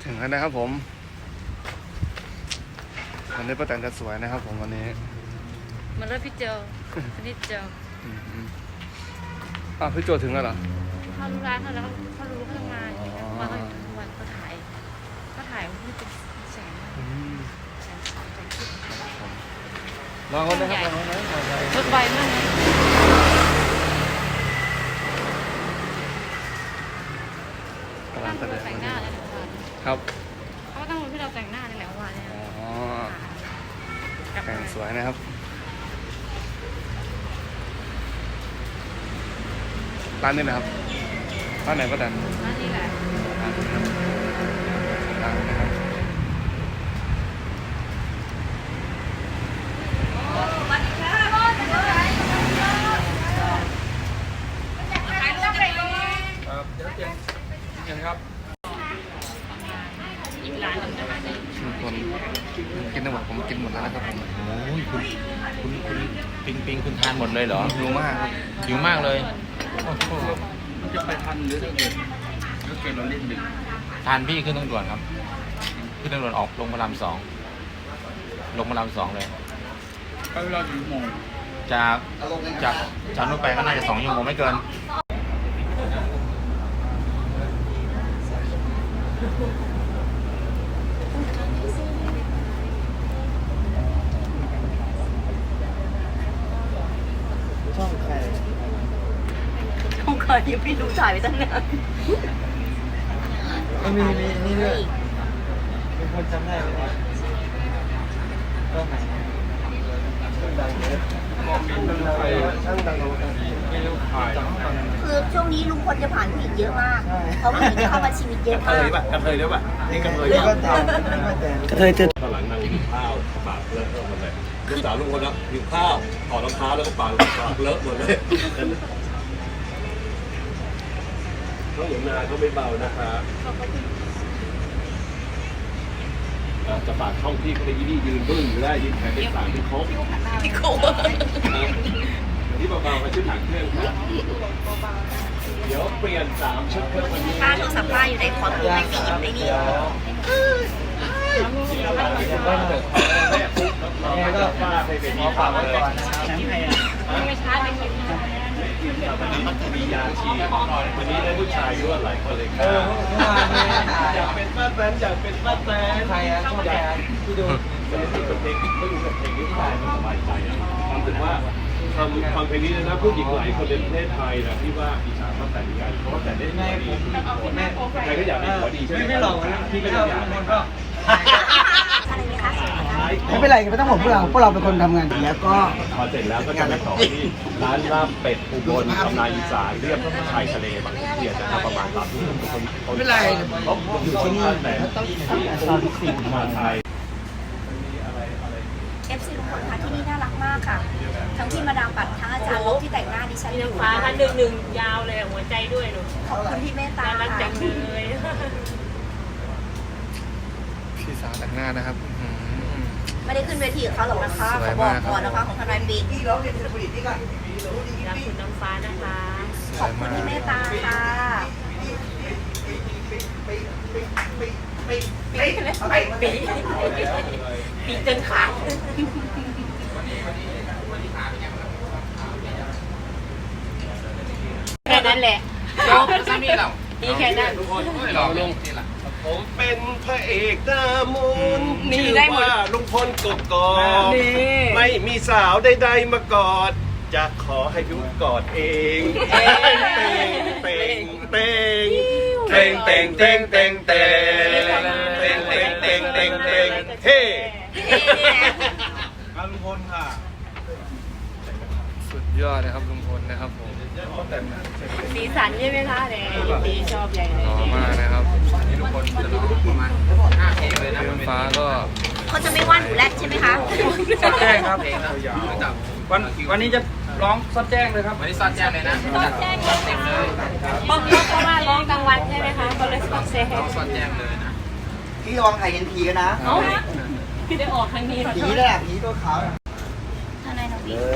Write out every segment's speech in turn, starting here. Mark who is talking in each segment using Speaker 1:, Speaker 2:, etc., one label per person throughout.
Speaker 1: ถึงแล้วนะครับผมวันนี้ป้าแตนจะสวยนะครับผมวันนี้
Speaker 2: มาเริ่มพี่เจลพี่เจล
Speaker 1: พี่โจถึงแล้วเหรอ
Speaker 2: เขารู้ร้านเขาแล้วเขารู้เขาทำงานมาเขาอยู่ทั้งวันเขาถ่ายที่เป็นแสง
Speaker 1: ลองกันนะครับลองกัน
Speaker 2: รถไวมากนะตั้งแต่งหน้าเลย
Speaker 1: ครับ
Speaker 2: เขาก็ตั้งที่เราแต่งหน้าในแหละวันเนี่ย
Speaker 1: แต่งสวยนะครับร้านนี้นะครับร้านไหนป้าแตน
Speaker 2: ร้านนี้แหละ
Speaker 1: ร้านนี้ครับร้านนะครับ
Speaker 2: อีกร้านหนึ่งนะคะ
Speaker 1: คนกินทั้งหมดผมกินหมดแล้วนะครับผม
Speaker 3: โอ้ยคุณปิงคุณทานหมดเลยเหรอ
Speaker 1: หิวมากครับ
Speaker 3: หิวมากเลย
Speaker 4: มันจะไปทันหรือถ้าเกิดเราเล่นดึก
Speaker 3: ทานพี่ขึ้นทางด่วนครับขึ้นทางด่วนออกลงพระราม2ลงพระราม2เลย
Speaker 4: ก็เวลากี่โมง
Speaker 3: จากนู้นไปก็น่าจะ2 ชั่วโมงไม่เกิน
Speaker 5: ช่องใครยังไม่รู้ถ่ายไปตั้งนาน
Speaker 1: มีนี่ด้วยมีคนจำได้ไหมช่องไหนช่างดัง
Speaker 5: คือช่วงนี้ลุงพลจะผ่านผู้หญิงเยอะมากเขาผู้หญิงจะเข้ามาชีวิตเยอะมาก
Speaker 4: กระเทยด้วยป่ะนี่กระเทย
Speaker 1: กระเทยเจอ
Speaker 4: ตอนหลังนั่งกินข้าวปากเลอะหมดเลยลูกสาวลุงคนละกินข้าวถอดรองเท้าแล้วก็ปากเลอะหมดเลยน้องหนูนาเขาไม่เบานะคะจะฝากช่องพี่เขาไปยืนบึ้งอยู่ได้ยืนแขนเป็นสามเป็นโค้ง
Speaker 5: พี่โค้ง
Speaker 4: นี่เบาๆมาชุดหางเครื่องครับเดี๋ยวเปลี่ยน3 ชุดเครื่องวันนี้
Speaker 5: ป้าโทรศัพท์ป้าอยู่ในคอร์ดไม่ได้หยิบไอ้นี่
Speaker 4: ก็ป้าไปเป็นหมอฝากไว้ก่อน
Speaker 2: ไม่ช้าไม่คิด
Speaker 4: มียาชีวันนี้ได้ผู้ชายยั่วหลายคนเลยครับอยากเป็นป้าแตนอยากเป็นป้าแตน
Speaker 1: ใครอะชอบแกที่ดู
Speaker 4: เพลงก็ดูกับเพลงนี้ได้มันสบายใจความรู้สึกว่าทำเพลงนี้นะผู้หญิงหลายคนในประเทศไทยนะที่ว่าอิจฉาป้าแตนกันเพราะว่าแต่ได้ดีใครก็อยากเป็นขอดีใช่ไหมไม่หลอกนะพี่ก็อยากเป็นก็
Speaker 5: อะไรไหมคะ
Speaker 1: ไม่เป็นไรไม่ต้องห่วงพวกเราเป็นคนทำงานแล้วก็
Speaker 4: พอเสร็จแล้วก็จะไปต่อที่ร้านลาบเป็ดอุบลตำนานอีสานเรียบชายทะเลบางเทียนนะครับประมาณ3 ทุ่มทุกคน
Speaker 1: ไม่เป็นไร
Speaker 4: อยู่ที่นี่แต่ที่มาไทย
Speaker 5: FC ลุงพลค่ะที่นี่น่ารักมากค่ะทั้งที่มาดามปัดทั้งอาจารย์ลบที่แต่งหน้าดิฉันอยู่
Speaker 2: ฟ้าค่ะหนึ่งยาวเลยหัวใจด้วยหนู
Speaker 5: ขอบคุณที่เมตตา
Speaker 2: รักจังเลย
Speaker 1: พี่สาวแต่งหน้านะครับ
Speaker 5: ไม่ได้ขึ้นเวทีกับเขาหรอกนะคะขอบอกก่อนนะคะของทนายปีที่เราเรียนผลิตนี่ก่อน
Speaker 2: รักคุณน้ำฟ้านะคะ
Speaker 5: ขอบคุณที่เมตตาค่ะ
Speaker 2: ปีจนขาดแค่นั้นแหละนี่แค่นั้น
Speaker 4: ผมเป็นพระเอกหน้ามนชื่อว่าลุงพลกกอกไม่มีสาวใดๆมากอดจะขอให้ยุกอดเองเต่งเต่งเต่งเต่งเต่งเต่งเต่งเต่งเต่งเต่งเต่งเต่งเต่งเฮ้ลุงพลค่ะ
Speaker 1: สุดยอดนะครับลุงพลนะครับผม
Speaker 2: สีสันใช่ไหมคะเนี่ยดีชอบใหญ่เลย
Speaker 1: มากนะครับนี่ลุงพลจะร้องประมาณ5 เพลงเลยนะฟ้าก็
Speaker 5: เขาจะไม่ว่าหนูแรกใช่ไหมคะ
Speaker 1: ซัดแจ้งครับวันนี้จะร้องซัดแจ้งเลยครับ
Speaker 3: วันนี้ซัดแจ้งเลยนะ
Speaker 2: ซัดแจ้งเต็มเลยเพราะว่าร้องกลางวันใช่ไหมคะก็เลยซัดแจ้ง
Speaker 3: ซัดแจ้งเลยนะ
Speaker 5: พี่ลองถ่ายเห็นผีกันนะ
Speaker 2: พี่ได้ออกทางนี้
Speaker 5: ผีเลยอ่ะผีตัวขาวทนายน้องพี่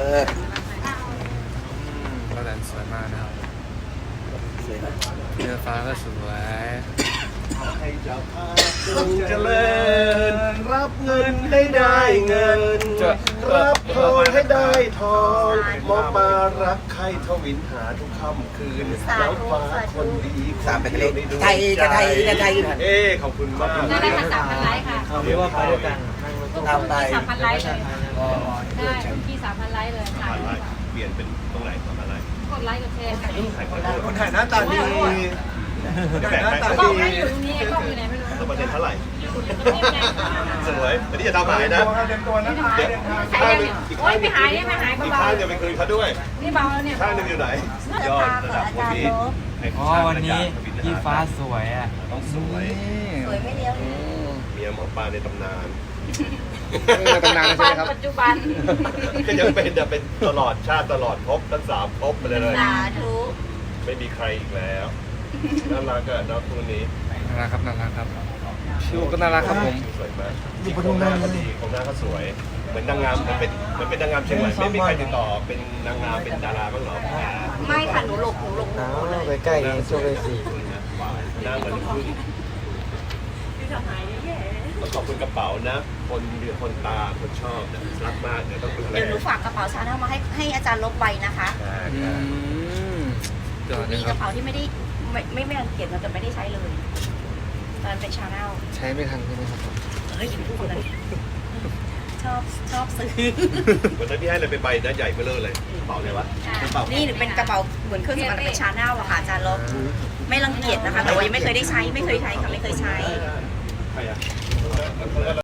Speaker 1: ก็แดนสวยมากนะครับเนื้อฟ้าก็สวย
Speaker 4: ให้เจ้าภาพจงเจริญ รับเงินให้ได้เงิน รับทองให้ได้ทองหมอปลารักใครทวินหาทุกค่ำคืนแล้วฟ้าคนดีสามเป็นเลขไทยเอ๊ขอบคุณมาก
Speaker 2: ได้มา3,000 ไลค์ค่ะ
Speaker 1: เอาเป็นว่าไปด้วยกันนั่งรถตู้
Speaker 2: ตามไป3,000 ไลค์เลยได้พี่3,000 ไลค์เลยถ่าย
Speaker 4: อะไรเปลี่ยนเป็นตรงไหนทำอะไร
Speaker 2: กดไลค์กดแชร์ค่ะ
Speaker 4: คนถ่ายหน้าตาดีแบ่งให้
Speaker 2: กล้องไม่อยู่ตรงนี้กล้องอยู่ไหนไม่รู้
Speaker 4: แล้วประเด็นเท่าไหร่
Speaker 2: นี่ไง
Speaker 4: สวยอันนี้จะทำหายนะเดี๋ยวข้างหนึงอีก
Speaker 2: โอ๊
Speaker 4: ข้าย งหนึ
Speaker 2: ไม่
Speaker 4: ง
Speaker 2: หายไม่หาย
Speaker 4: อีก
Speaker 2: เบา
Speaker 4: ข้างจะไปคืนเขาด้วย
Speaker 2: ๆนี่เบาแล้วเนี่ย
Speaker 4: ข้างหนึงอยู่ไหนยอดระดับคนพี่
Speaker 1: อ๋อวันนี้พี่ฟ้าสวยอ่ะ
Speaker 4: ต้องสวย
Speaker 5: สวยไม่เลี้ยว
Speaker 4: เมียหมอปลาในตำนาน
Speaker 6: ตำนานใช่ไหมครับ
Speaker 2: ปัจจุบัน
Speaker 4: ก็ยังเป็นจะเป็นตลอดชาติตลอดภพทั้ง3ภพไปเลย
Speaker 5: สาธุ
Speaker 4: ไม่มีใครอีกแล้วน่ารักอะน้องคู่นี้
Speaker 6: น่ารักครับน่ารักครับชิวก็น่ารักครับผม
Speaker 4: สวยมากที่โครงหน้าก็ดีโครงหน้าก็สวย เหมือนนางงามเหมือนเป็นนางงามเชียงใหม่ไม่มีใครติดต่อเป็นนางงามเป็นดาราบ้างเหรอ
Speaker 5: ไม่ค่ะหนูหลบหมด
Speaker 1: อ้าว
Speaker 5: เลย
Speaker 1: ไปใกล้กันโชว์เลยสิ
Speaker 4: หน้าเหมือนพึ่งต้องขอบคุณกระเป๋านะ คนเดือคนตาคนชอบนะรักมากเดี๋ยวต้องดูแล
Speaker 5: เดี๋ยวหนูฝากกระเป๋าชาแนลมาให้อาจารย์ลบใบนะคะ
Speaker 6: จอด
Speaker 5: มี
Speaker 6: นะค
Speaker 5: ก
Speaker 6: รับ
Speaker 5: ระเป๋าที่ไม่รังเกียจเราจะไม่ได้ใช้เลยตอนเป็นชาแนล
Speaker 6: ใช้ไม่ทันใช่ไหมครับ
Speaker 5: เฮ้ยพูดคนนั้นชอบซื้อ
Speaker 4: วันนั้นพี่ให้อะไรไปใบนะใหญ่เบ้อเลยกระเป๋าเลยวะกระเป๋า
Speaker 5: นี่เป็นกระเป๋าเหมือนเครื่องสำอางเป็นชาแนลอะค่ะอาจารย์ลบไม่รังเกียจนะคะ แต่ว่ายังไม่เคยได้ใช้ไม่เคยใช้ค่ะไม่เคยใช้
Speaker 4: ใครอะ